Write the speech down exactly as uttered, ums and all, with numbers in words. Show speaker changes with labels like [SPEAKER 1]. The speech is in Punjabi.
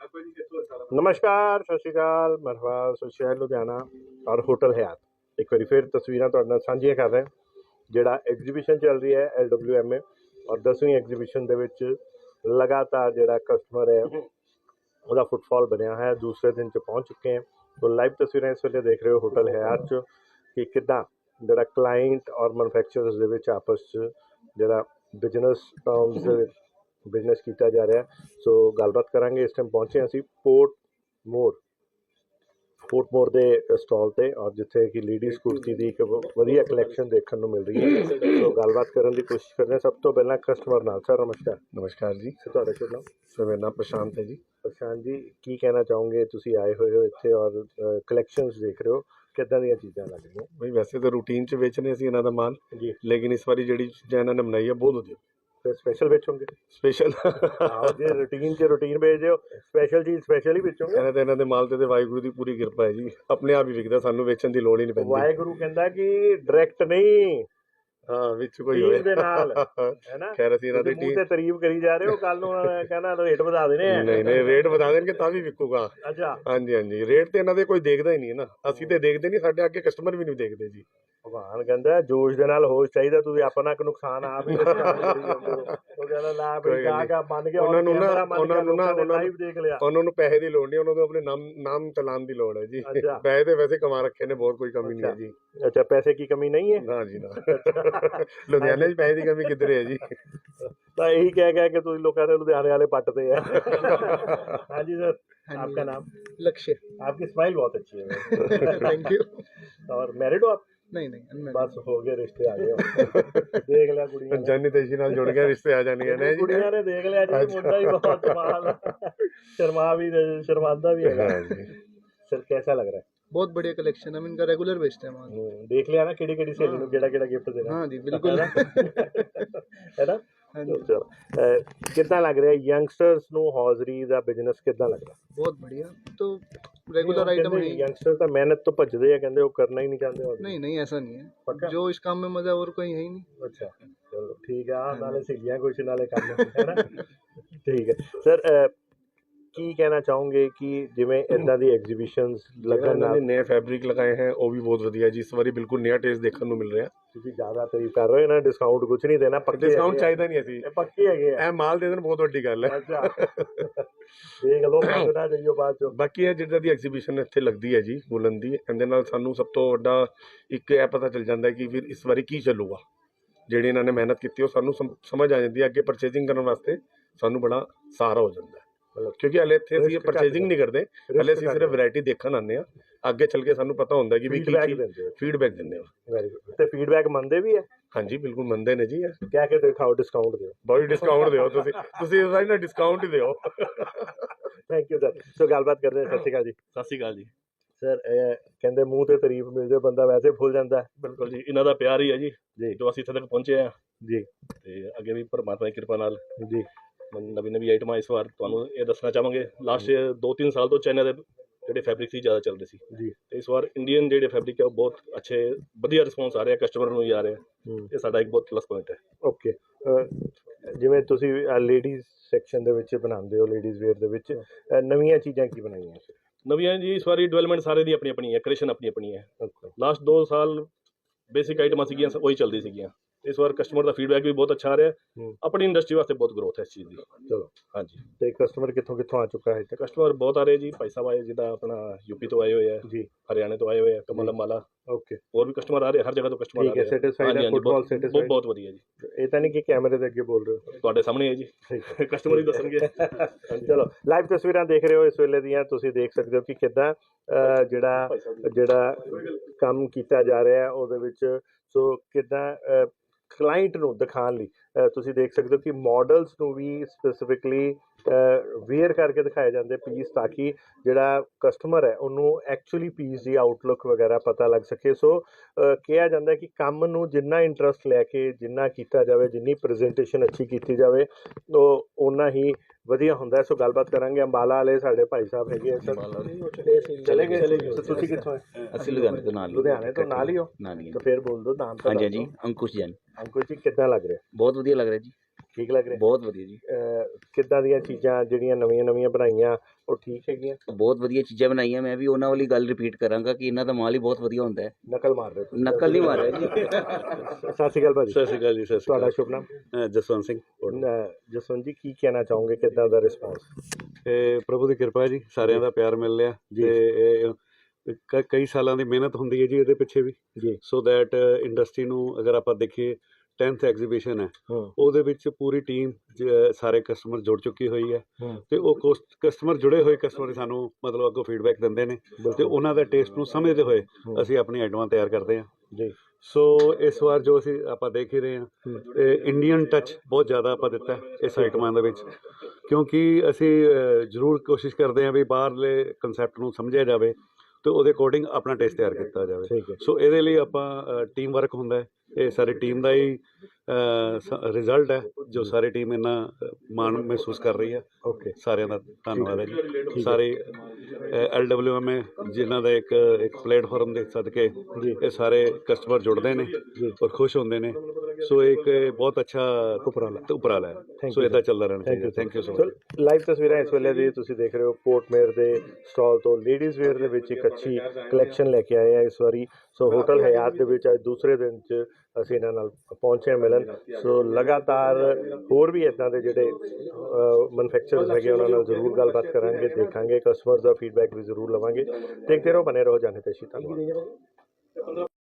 [SPEAKER 1] नमस्कार, सत श्री अकाल, मरहबा, सो शहर लुधियाना और होटल हयात एक बार फिर तस्वीरां तुहाडे नाल सांझियां कर रहे हैं। जिहड़ा एग्जीबिशन चल रही है एल डब्ल्यू एम ए और दसवीं एग्जीबिशन दे विच लगातार जिहड़ा कस्टमर है ਉਹਦਾ फुटफॉल बनया है, दूसरे दिन च पहुँच चुके हैं। तो लाइव तस्वीरें इस वेले देख रहे हो होटल हयात च कि किदां जिहड़ा क्लाइंट और मैनुफैक्चरर्स दे विच आपस च जिहड़ा बिजनस टर्म्स दे विच बिजनस किया जा रहा है। सो गलबात करांगे। इस टाइम पहुंचे असी पोर्ट मोर पोर्ट मोर के स्टॉल पे और जिथे कि लेडीज कुर्ती की एक वधिया कलैक्शन देखने को मिल रही है। तो गलबात करने की कोशिश करते हैं। सब तो पहला कस्टमर नाल सर नमस्कार।
[SPEAKER 2] नमस्कार जी।
[SPEAKER 1] सर तुहाडा शुभ नाम?
[SPEAKER 2] सर मेरा नाम प्रशांत है जी।
[SPEAKER 1] प्रशांत जी की कहना चाहोगे, तुसी आए हुए हो इत्थे और कलैक्शंस देख रहे हो, किदां दी चीज़ां लग रही
[SPEAKER 2] भाई वैसे तो रूटीन च बेचने असीं इन्हां दा माल
[SPEAKER 1] जी,
[SPEAKER 2] लेकिन इस बारी जिहड़ी चीज़ां इन्हां ने बनाई है बहुत वधिया
[SPEAKER 1] फिर स्पेशल बेचोगे?
[SPEAKER 2] स्पेशल
[SPEAKER 1] आओ जी, रूटीन च रूटीन बेच दो, स्पेशल चीज़ स्पेशल ही बेचोगे।
[SPEAKER 2] इन्हां ते इन्हां दे माल ते वाहिगुरू दी पूरी किरपा है जी, अपने आप ही विकदा, सानू बेचण दी लोड़ ही नहीं पैंदी।
[SPEAKER 1] वाहिगुरू कहंदा कि डायरैक्ट नहीं,
[SPEAKER 2] हाँ विच कोई
[SPEAKER 1] टीम
[SPEAKER 2] होए
[SPEAKER 1] दे नाल है ना।
[SPEAKER 2] खैर असीं इन्हां दी
[SPEAKER 1] मुंह ते तारीफ करी जा रहे हो, कल नूं कहना रेट ਵਧਾ देने हैं।
[SPEAKER 2] नहीं नहीं रेट बता देंगे तां भी विकूगा।
[SPEAKER 1] अच्छा
[SPEAKER 2] हाँ जी हाँ जी, रेट ते इन्हां दे कोई देखदा ही नहीं है ना, ਅਸੀਂ ਤੇ ਦੇਖਦੇ ਨਹੀਂ, ਸਾਡੇ ਅੱਗੇ ਕਸਟਮਰ ਵੀ ਨਹੀਂ ਦੇਖਦੇ ਜੀ।
[SPEAKER 1] ਭਗਵਾਨ ਕਹਿੰਦਾ ਜੋਸ਼ ਦੇ ਨਾਲ ਹੋਸ਼ ਚਾਹੀਦਾ, ਤੁਸੀਂ ਆਪਣਾ ਕੋ ਨੁਕਸਾਨ ਆਪ ਹੀ ਕਰੀ ਜਾਂਦੇ ਹੋ। ਉਹ ਕਹਿੰਦਾ ਲਾ ਬਈ ਕਾ ਕਾ ਬਣ ਗਿਆ
[SPEAKER 2] ਉਹਨਾਂ ਨੂੰ ਨਾ ਉਹਨਾਂ ਨੂੰ ਨਾ
[SPEAKER 1] ਲਾਈਵ ਦੇਖ ਲਿਆ।
[SPEAKER 2] ਉਹਨਾਂ ਨੂੰ ਪੈਸੇ ਦੀ ਲੋੜ ਨਹੀਂ, ਉਹਨਾਂ ਨੂੰ ਆਪਣੇ ਨਾਮ ਨਾਮ ਚਲਾਉਣ ਦੀ ਲੋੜ ਹੈ ਜੀ। ਪੈਸੇ ਤੇ ਵੈਸੇ ਕਮਾ ਰੱਖੇ ਨੇ, ਬਹੁਤ ਕੋਈ ਕਮੀ ਨਹੀਂ ਹੈ ਜੀ।
[SPEAKER 1] ਅੱਛਾ ਪੈਸੇ की कमी नहीं है?
[SPEAKER 2] ਨਾ ਜੀ ਨਾ, ਲੁਧਿਆਣੇ 'ਚ ਪੈਸੇ ਦੀ ਕਮੀ ਕਿੱਧਰ ਹੈ ਜੀ।
[SPEAKER 1] ਤਾਂ ਇਹੀ ਕਹਿ ਕਹਿ ਕੇ ਤੁਸੀਂ ਲੋਕਾਂ ਦੇ ਲੁਧਿਆਣੇ ਵਾਲੇ ਪੱਟਦੇ ਆ। हाँ जी सर, आपका नाम?
[SPEAKER 3] लक्ष्य।
[SPEAKER 1] आपकी स्माइल बहुत अच्छी है।
[SPEAKER 3] Thank you.
[SPEAKER 1] और मैरिड हो आप?
[SPEAKER 3] नहीं नहीं unmarried।
[SPEAKER 1] बस हो गए, रिश्ते आ गए हो। देख लिया कुड़ियां ने।
[SPEAKER 2] ਜਾਨੀ ਤੇਜੀ ਨਾਲ ਜੁੜ ਗਿਆ, ਰਿਸ਼ਤੇ ਆ ਜਾਣਗੇ ਨੇ ਜੀ।
[SPEAKER 1] ਕੁੜੀਆਂ ਨੇ ਦੇਖ ਲਿਆ ਜੀ, ਮੁੰਡਾ ਹੀ ਬਹੁਤ ਕਮਾਲ ਹੈ। शर्मा भी शर्मांदा भी है सर। कैसा लग रहा है?
[SPEAKER 3] बहुत बढ़िया कलेक्शन, हम इनका रेगुलर बेचते हैं वहाँ।
[SPEAKER 1] देख लिया ना किहड़ी किहड़ी सहेली नूं किहड़ा किहड़ा गिफ्ट देना।
[SPEAKER 3] हाँ जी बिल्कुल।
[SPEAKER 1] है ना।
[SPEAKER 3] हाँ जी
[SPEAKER 1] चलो कितना लग रहा है यंगस्टर्स नूं हौजरी दा बिजनेस कितना लग रहा?
[SPEAKER 3] बहुत बढ़िया। तो रेगुलर आइटम है।
[SPEAKER 1] यंगस्टर तो मेहनत तो भजदे हैं, कहंदे वो करना ही नहीं चाहते।
[SPEAKER 3] नहीं नहीं ऐसा नहीं
[SPEAKER 1] पक्का?
[SPEAKER 3] है, जो इस काम में मजा और कोई है ही नहीं।
[SPEAKER 1] अच्छा चलो ठीक है। नाले सहेलियां कुछ नाले काम है ना। ठीक है सर, ਕੀ ਕਹਿਣਾ ਚਾਹੋਗੇ ਕਿ ਜਿਵੇਂ ਇਦਾਂ ਦੀ ਐਗਜ਼ੀਬਿਸ਼ਨਸ ਲੱਗਣ
[SPEAKER 2] ਇਹਨਾਂ
[SPEAKER 1] ਨਾਲ
[SPEAKER 2] ਨੇ ਨਵੇਂ ਫੈਬਰਿਕ ਲਗਾਏ ਹੈ, ਉਹ ਵੀ ਬਹੁਤ ਵਧੀਆ ਜੀ। ਇਸ ਵਾਰੀ ਬਿਲਕੁਲ ਨਵਾਂ ਟੇਸਟ ਦੇਖਣ ਨੂੰ ਮਿਲ ਰਿਹਾ।
[SPEAKER 1] ਤੁਸੀਂ ਜ਼ਿਆਦਾ ਤਾਰੀਫ ਕਰ ਰਹੇ ਹੋ ਨਾ, ਡਿਸਕਾਊਂਟ ਕੁਝ ਨਹੀਂ ਦੇਣਾ, ਪੱਕੇ
[SPEAKER 2] ਡਿਸਕਾਊਂਟ ਚਾਹੀਦਾ ਨਹੀਂ ਅਸੀਂ,
[SPEAKER 1] ਇਹ ਪੱਕੇ ਹੈਗੇ ਆ।
[SPEAKER 2] ਇਹ ਮਾਲ ਦੇ ਦੇਣ ਬਹੁਤ ਵੱਡੀ ਗੱਲ ਹੈ।
[SPEAKER 1] ਅੱਛਾ ਦੇਖ ਲਓ, ਪਤਾ ਜਾਈਓ ਬਾਅਦ ਚੋਂ।
[SPEAKER 2] ਬਾਕੀ ਇਹ ਜਿੱਦਾਂ ਦੀ ਐਗਜ਼ੀਬਿਸ਼ਨ ਇੱਥੇ ਲੱਗਦੀ ਹੈ ਜੀ ਬੁਲੰਦ ਦੀ, ਇਹਦੇ ਨਾਲ ਸਾਨੂੰ ਸਭ ਤੋਂ ਵੱਡਾ ਇੱਕ ਇਹ ਪਤਾ ਚੱਲ ਜਾਂਦਾ ਕਿ ਫਿਰ ਇਸ ਵਾਰੀ ਕੀ ਚੱਲੂਗਾ। ਜਿਹੜੀ ਇਹਨਾਂ ਨੇ ਮਿਹਨਤ ਕੀਤੀ ਉਹ ਸਾਨੂੰ ਸਮਝ ਆ ਜਾਂਦੀ ਹੈ, ਅੱਗੇ ਪਰਚੇਜ਼ਿੰਗ ਕਰਨ ਵਾਸਤੇ ਸਾਨੂੰ ਬੜਾ ਸਹਾਰਾ ਹੋ ਜਾਂਦਾ ਹੈ। ਕਿਉਂਕਿ ਹਲੇ ਇੱਥੇ ਅਸੀਂ ਪਰਚੇਜ਼ਿੰਗ ਨਹੀਂ ਕਰਦੇ, ਹਲੇ ਅਸੀਂ ਸਿਰਫ ਵੈਰਾਈਟੀ ਦੇਖਣ ਆਉਂਦੇ ਹਾਂ। ਅੱਗੇ ਚੱਲ ਕੇ ਸਾਨੂੰ ਪਤਾ ਹੁੰਦਾ ਕਿ ਵੀ ਕੀ ਫੀਡਬੈਕ ਦਿੰਦੇ ਹੋ।
[SPEAKER 1] Very good. ਤੇ ਫੀਡਬੈਕ ਮੰਨਦੇ ਵੀ ਹੈ?
[SPEAKER 2] ਹਾਂਜੀ ਬਿਲਕੁਲ ਮੰਨਦੇ ਨੇ ਜੀ।
[SPEAKER 1] ਕਹਿ ਕੇ ਦਿਖਾਓ, ਡਿਸਕਾਊਂਟ ਦਿਓ।
[SPEAKER 2] ਬਹੁਤ ਡਿਸਕਾਊਂਟ ਦਿਓ ਤੁਸੀਂ ਤੁਸੀਂ ਇਸ ਵਾਰੀ ਨਾ ਡਿਸਕਾਊਂਟ ਹੀ ਦਿਓ।
[SPEAKER 1] Thank you sir. ਸੋ ਗੱਲਬਾਤ ਕਰਦੇ ਹਾਂ। ਸਤਿ ਸ਼੍ਰੀ ਅਕਾਲ ਜੀ।
[SPEAKER 4] ਸਤਿ ਸ਼੍ਰੀ ਅਕਾਲ ਜੀ।
[SPEAKER 1] ਸਰ ਇਹ ਕਹਿੰਦੇ ਮੂੰਹ ਤੇ ਤਾਰੀਫ ਮਿਲ ਜਾਏ ਬੰਦਾ ਵੈਸੇ ਭੁੱਲ ਜਾਂਦਾ।
[SPEAKER 4] ਬਿਲਕੁਲ ਜੀ, ਇਹਨਾਂ ਦਾ ਪਿਆਰ ਹੀ ਹੈ ਜੀ
[SPEAKER 1] ਜੀ
[SPEAKER 4] ਜੋ ਅਸੀਂ ਇੱਥੇ ਤੱਕ ਪਹੁੰਚੇ ਆ
[SPEAKER 1] ਜੀ।
[SPEAKER 4] ਤੇ ਅੱਗੇ ਵੀ ਪਰਮਾਤਮਾ ਦੀ ਕਿਰਪਾ ਨਾਲ
[SPEAKER 1] ਜੀ
[SPEAKER 4] ਨਵੀਂ ਨਵੀਂ ਆਈਟਮਾਂ ਇਸ ਵਾਰ ਤੁਹਾਨੂੰ ਇਹ ਦੱਸਣਾ ਚਾਹਾਂਗੇ। ਲਾਸਟ ਦੋ ਤਿੰਨ ਸਾਲ ਤੋਂ ਚਾਈਨਾ ਦੇ ਜਿਹੜੇ ਫੈਬਰਿਕ ਸੀ ਜ਼ਿਆਦਾ ਚੱਲਦੇ ਸੀ
[SPEAKER 1] ਜੀ,
[SPEAKER 4] ਤੇ ਇਸ ਵਾਰ ਇੰਡੀਅਨ ਜਿਹੜੇ ਫੈਬਰਿਕ ਹੈ ਉਹ ਬਹੁਤ ਅੱਛੇ ਵਧੀਆ ਰਿਸਪੌਂਸ ਆ ਰਿਹਾ, ਕਸਟਮਰ ਨੂੰ ਵੀ ਆ ਰਿਹਾ। ਇਹ ਸਾਡਾ ਇੱਕ ਬਹੁਤ ਪਲੱਸ ਪੁਆਇੰਟ ਹੈ।
[SPEAKER 1] ਓਕੇ। ਜਿਵੇਂ ਤੁਸੀਂ ਲੇਡੀਜ਼ ਸੈਕਸ਼ਨ ਦੇ ਵਿੱਚ ਬਣਾਉਂਦੇ ਹੋ, ਲੇਡੀਜ਼ ਵੇਅਰ ਦੇ ਵਿੱਚ ਨਵੀਆਂ ਚੀਜ਼ਾਂ ਕੀ ਬਣਾਈਆਂ?
[SPEAKER 4] ਨਵੀਆਂ ਜੀ ਇਸ ਵਾਰੀ ਡਿਵੈਲਪਮੈਂਟ ਸਾਰੇ ਦੀ ਆਪਣੀ ਆਪਣੀ ਹੈ, ਕ੍ਰੀਏਸ਼ਨ ਆਪਣੀ ਆਪਣੀ ਹੈ। ਲਾਸਟ ਦੋ ਸਾਲ ਬੇਸਿਕ ਆਈਟਮਾਂ ਸੀਗੀਆਂ, ਉਹੀ ਚੱਲਦੀ ਸੀਗੀਆਂ। ਇਸ ਵਾਰ ਕਸਟਮਰ ਦਾ ਫੀਡਬੈਕ ਵੀ ਬਹੁਤ ਅੱਛਾ ਆ ਰਿਹਾ। ਆਪਣੀ ਇੰਡਸਟਰੀ ਵਾਸਤੇ ਬਹੁਤ ਗਰੋਥ ਹੈ ਇਸ ਚੀਜ਼ ਦੀ।
[SPEAKER 1] ਚਲੋ
[SPEAKER 4] ਹਾਂਜੀ।
[SPEAKER 1] ਤੇ ਕਸਟਮਰ ਕਿੱਥੋਂ ਕਿੱਥੋਂ ਆ ਚੁੱਕਾ ਹੈ?
[SPEAKER 4] ਕਸਟਮਰ ਬਹੁਤ ਆ ਰਹੇ ਜੀ। ਭਾਈ ਸਾਹਿਬ ਆਏ ਜਿੱਦਾਂ ਆਪਣਾ ਯੂਪੀ ਤੋਂ ਆਏ ਹੋਏ ਆ
[SPEAKER 1] ਜੀ,
[SPEAKER 4] ਹਰਿਆਣੇ ਤੋਂ ਆਏ ਹੋਏ ਆ, ਕਮਲ ਅੰਬਾਲਾ।
[SPEAKER 1] ਓਕੇ।
[SPEAKER 4] ਹੋਰ ਵੀ ਕਸਟਮਰ ਆ ਰਹੇ, ਹਰ ਜਗ੍ਹਾ ਤੋਂ ਕਸਟਮਰ ਆ ਰਹੇ।
[SPEAKER 1] ਸੈਟੀਸਫਾਈਡ ਹੈ? Football satisfied?
[SPEAKER 4] ਬਹੁਤ ਵਧੀਆ ਜੀ।
[SPEAKER 1] ਇਹ ਤਾਂ ਨਹੀਂ ਕਿ ਕੈਮਰੇ ਦੇ ਅੱਗੇ ਬੋਲ ਰਹੇ ਹੋ?
[SPEAKER 4] ਤੁਹਾਡੇ ਸਾਹਮਣੇ ਹੈ ਜੀ, ਕਸਟਮਰ ਹੀ ਦੱਸਣਗੇ।
[SPEAKER 1] ਚਲੋ ਲਾਈਵ ਤਸਵੀਰਾਂ ਦੇਖ ਰਹੇ ਹੋ ਇਸ ਵੇਲੇ ਦੀਆਂ, ਤੁਸੀਂ ਦੇਖ ਸਕਦੇ ਹੋ ਕਿ ਕਿੱਦਾਂ ਜਿਹੜਾ ਜਿਹੜਾ ਕੰਮ ਕੀਤਾ ਜਾ ਰਿਹਾ ਹੈ ਉਹਦੇ ਵਿੱਚ। ਸੋ ਕਿੱਦਾਂ ਕਲਾਇੰਟ ਨੂੰ ਦਿਖਾਉਣ ਲਈ ਤੁਸੀਂ ਦੇਖ ਸਕਦੇ ਹੋ ਕਿ ਮਾਡਲਸ ਨੂੰ ਵੀ ਸਪੈਸੀਫਿਕਲੀ ਵੇਅਰ ਕਰਕੇ ਦਿਖਾਏ ਜਾਂਦੇ ਪੀਸ, ਤਾਂ ਕਿ ਜਿਹੜਾ ਕਸਟਮਰ ਹੈ ਉਹਨੂੰ ਐਕਚੁਅਲੀ ਪੀਸ ਦੀ ਆਊਟਲੁੱਕ ਵਗੈਰਾ ਪਤਾ ਲੱਗ ਸਕੇ। ਸੋ ਕਿਹਾ ਜਾਂਦਾ ਕਿ ਕੰਮ ਨੂੰ ਜਿੰਨਾ ਇੰਟਰਸਟ ਲੈ ਕੇ ਜਿੰਨਾ ਕੀਤਾ ਜਾਵੇ, ਜਿੰਨੀ ਪ੍ਰੈਜੈਂਟੇਸ਼ਨ ਅੱਛੀ ਕੀਤੀ ਜਾਵੇ, ਉਹ ਓਨਾ ਹੀ ਵਧੀਆ ਹੁੰਦਾ। ਸੋ ਗੱਲਬਾਤ ਕਰਾਂਗੇ। ਅੰਬਾਲਾ ਵਾਲੇ ਸਾਡੇ ਭਾਈ ਸਾਹਿਬ ਹੈਗੇ ਸਰ, ਚਲੇ ਗਏ। ਤੁਸੀਂ ਕਿੱਥੋਂ?
[SPEAKER 5] ਅਸੀਂ ਲੁਧਿਆਣੇ ਤੋਂ ਨਾਲ
[SPEAKER 1] ਲੁਧਿਆਣੇ ਤੋਂ ਨਾਲ ਹੀ ਹੋ?
[SPEAKER 5] ਨਾਲ ਹੀ।
[SPEAKER 1] ਤਾਂ ਫਿਰ ਬੋਲ ਦਿਓ ਨਾਮ।
[SPEAKER 5] ਹਾਂਜੀ ਹਾਂਜੀ, ਅੰਕੁਸ਼ ਜੈਨ।
[SPEAKER 1] ਅੰਕੁਸ਼ ਜੀ ਕਿੱਦਾਂ ਲੱਗ ਰਿਹਾ?
[SPEAKER 5] ਬਹੁਤ ਵਧੀਆ ਲੱਗ ਰਿਹਾ ਜੀ।
[SPEAKER 1] ਠੀਕ ਲੱਗ ਰਿਹਾ?
[SPEAKER 5] ਬਹੁਤ ਵਧੀਆ ਜੀ,
[SPEAKER 1] ਅਹ ਕਿੱਦਾਂ ਦੀਆਂ ਚੀਜ਼ਾਂ ਜਿਹੜੀਆਂ ਨਵੀਆਂ ਨਵੀਆਂ ਬਣਾਈਆਂ ਉਹ ਠੀਕ ਹੈਗੀਆਂ?
[SPEAKER 5] ਬਹੁਤ ਵਧੀਆ ਚੀਜ਼ਾਂ ਬਣਾਈਆਂ। ਮੈਂ ਵੀ ਉਹਨਾਂ ਵਾਲੀ ਗੱਲ ਰਿਪੀਟ ਕਰਾਂਗਾ ਕਿ ਇਹਨਾਂ ਦਾ ਮਾਲ ਹੀ ਬਹੁਤ ਵਧੀਆ ਹੁੰਦਾ ਹੈ।
[SPEAKER 1] ਨਕਲ ਮਾਰ ਰਹੇ ਹੋ?
[SPEAKER 5] ਨਕਲ ਨਹੀਂ ਮਾਰਿਆ ਜੀ।
[SPEAKER 1] ਸਤਿ ਸ਼੍ਰੀ ਅਕਾਲ ਭਾਜੀ।
[SPEAKER 6] ਸਤਿ ਸ਼੍ਰੀ ਅਕਾਲ ਜੀ। ਸਤਿ ਸ਼੍ਰੀ
[SPEAKER 1] ਤੁਹਾਡਾ
[SPEAKER 6] ਅਕਾਲ।
[SPEAKER 1] ਸ਼ੁਭ ਨਾਮ?
[SPEAKER 6] ਅ, ਜਸਵੰਤ ਸਿੰਘ।
[SPEAKER 1] ਅਹ ਜਸਵੰਤ ਜੀ, ਕੀ ਕਹਿਣਾ ਚਾਹੋਗੇ, ਕਿੱਦਾਂ ਦਾ ਰਿਸਪੌਂਸ?
[SPEAKER 6] ਇਹ ਪ੍ਰਭੂ ਦੀ ਕਿਰਪਾ ਹੈ ਜੀ, ਸਾਰਿਆਂ ਦਾ ਪਿਆਰ ਮਿਲ ਰਿਹਾ
[SPEAKER 1] ਜੀ।
[SPEAKER 6] ਤੇ ਇਹ ਕ- ਕਈ ਸਾਲਾਂ ਦੀ ਮਿਹਨਤ ਹੁੰਦੀ ਹੈ ਜੀ ਇਹਦੇ ਪਿੱਛੇ ਵੀ,
[SPEAKER 1] ਜੀ।
[SPEAKER 6] ਸੋ ਦੈਟ ਇੰਡਸਟਰੀ ਨੂੰ ਅਗਰ ਆਪਾਂ ਦੇਖੀਏ ਟੈਂਥ ਐਗਜ਼ੀਬਿਸ਼ਨ ਹੈ,
[SPEAKER 1] ਹੂੰ
[SPEAKER 6] ਉਹਦੇ ਵਿੱਚ ਪੂਰੀ ਟੀਮ ਸਾਰੇ ਕਸਟਮਰ ਜੁੜ ਚੁੱਕੀ ਹੋਈ ਹੈ
[SPEAKER 1] ਹੂੰ
[SPEAKER 6] ਤੇ ਉਹ ਕਸਟਮਰ ਜੁੜੇ ਹੋਏ ਕਸਟਮਰ ਸਾਨੂੰ ਮਤਲਬ ਅੱਗੋਂ ਫੀਡਬੈਕ ਦਿੰਦੇ ਨੇ ਤੇ ਉਹਨਾਂ ਦਾ ਟੇਸਟ ਨੂੰ ਸਮਝਦੇ ਹੋਏ
[SPEAKER 1] ਹੂੰ।
[SPEAKER 6] ਅਸੀਂ ਆਪਣੀ ਆਈਟਮਾਂ ਤਿਆਰ ਕਰਦੇ ਹਾਂ।
[SPEAKER 1] ਜੀ।
[SPEAKER 6] ਸੋ ਇਸ ਵਾਰ ਜੋ ਅਸੀਂ ਆਪਾਂ ਦੇਖ ਹੀ ਰਹੇ ਹਾਂ,
[SPEAKER 1] ਹੂੰ।
[SPEAKER 6] ਇੰਡੀਅਨ ਟੱਚ ਬਹੁਤ ਜ਼ਿਆਦਾ ਆਪਾਂ ਦਿੱਤਾ ਹੈ ਇਸ ਆਈਟਮਾਂ ਦੇ ਵਿੱਚ, ਕਿਉਂਕਿ ਅਸੀਂ ਅ, ਜ਼ਰੂਰ ਕੋਸ਼ਿਸ਼ ਕਰਦੇ ਹਾਂ ਵੀ ਬਾਹਰਲੇ ਕੰਸੈਪਟ ਨੂੰ ਸਮਝਿਆ ਜਾਵੇ ਤੇ ਉਹਦੇ ਅਕੋਰਡਿੰਗ ਆਪਣਾ ਟੇਸਟ ਤਿਆਰ ਕੀਤਾ ਜਾਵੇ।
[SPEAKER 1] ਠੀਕ ਹੈ।
[SPEAKER 6] ਸੋ ਇਹਦੇ ਲਈ ਆਪਾਂ ਟੀਮ ਵਰਕ ਹੁੰਦਾ ਹੈ, ਇਹ ਸਾਰੀ ਟੀਮ ਦਾ ਹੀ ਰਿਜ਼ਲਟ ਹੈ ਜੋ ਸਾਰੀ ਟੀਮ ਇੰਨਾ ਅ, ਮਾਣ ਮਹਿਸੂਸ ਕਰ ਰਹੀ ਹੈ।
[SPEAKER 1] ਓਕੇ।
[SPEAKER 6] ਸਾਰਿਆਂ ਦਾ ਧੰਨਵਾਦ ਹੈ
[SPEAKER 1] ਠੀਕ
[SPEAKER 6] ਜੀ।
[SPEAKER 1] ਹੈ।
[SPEAKER 6] ਸਾਰੇ ਐਲ ਡਬਲਿਊ ਐਮ ਏ ਜਿਨ੍ਹਾਂ ਦਾ ਇੱਕ ਇੱਕ ਪਲੇਟਫਾਰਮ ਦੇ ਸਦਕੇ
[SPEAKER 1] ਜੀ।
[SPEAKER 6] ਇਹ ਸਾਰੇ ਕਸਟਮਰ ਜੁੜਦੇ ਨੇ
[SPEAKER 1] ਜੀ।
[SPEAKER 6] ਔਰ ਖੁਸ਼ ਹੁੰਦੇ ਨੇ। ਸੋ ਇੱਕ ਇਹ ਬਹੁਤ ਅੱਛਾ
[SPEAKER 1] ਉਪਰਾਲਾ।
[SPEAKER 6] ਉਪਰਾਲਾ ਹੈ।
[SPEAKER 1] Thank
[SPEAKER 6] ਸੋ
[SPEAKER 1] you,
[SPEAKER 6] ਇਹਦਾ
[SPEAKER 1] sir.
[SPEAKER 6] ਚੱਲਦਾ ਰਹਿਣਾ
[SPEAKER 1] ਥੈਂਕ
[SPEAKER 6] ਚਾਹੀਦਾ।
[SPEAKER 1] You
[SPEAKER 6] thank you so
[SPEAKER 1] so
[SPEAKER 6] much.
[SPEAKER 1] Live ਤਸਵੀਰਾਂ ਇਸ ਵੇਲੇ ਦੀ ਤੁਸੀਂ ਦੇਖ ਰਹੇ ਹੋ ਪੋਰਟਮੇਰ ਦੇ ਸਟਾਲ ਤੋਂ। ਲੇਡੀਜ਼ ਵੇਅਰ ਦੇ ਵਿੱਚ ਇੱਕ ਅੱਛੀ ਕਲੈਕਸ਼ਨ ਲੈ ਕੇ ਆਏ ਆ ਇਸ ਵਾਰੀ। ਸੋ ਹੋਟਲ ਹਯਾਤ ਦੇ ਵਿੱਚ ਅੱਜ ਦੂਸਰੇ ਦਿਨ 'ਚ ਅਸੀਂ ਇਹਨਾਂ ਨਾਲ ਪਹੁੰਚੇ ਹਾਂ ਮਿਲਣ। ਸੋ ਲਗਾਤਾਰ ਹੋਰ ਵੀ ਇੱਦਾਂ ਦੇ ਜਿਹੜੇ ਮੈਨੂਫੈਕਚਰਰਸ ਹੈਗੇ ਉਹਨਾਂ ਨਾਲ ਜ਼ਰੂਰ ਗੱਲਬਾਤ ਕਰਾਂਗੇ, ਦੇਖਾਂਗੇ, ਕਸਟਮਰ ਦਾ ਫੀਡਬੈਕ ਵੀ ਜ਼ਰੂਰ ਲਵਾਂਗੇ। ਦੇਖਦੇ ਰਹੋ, ਬਨੇ ਰਹੋ ਜਾਣੇ ਤੇ ਧੰਨਵਾਦ।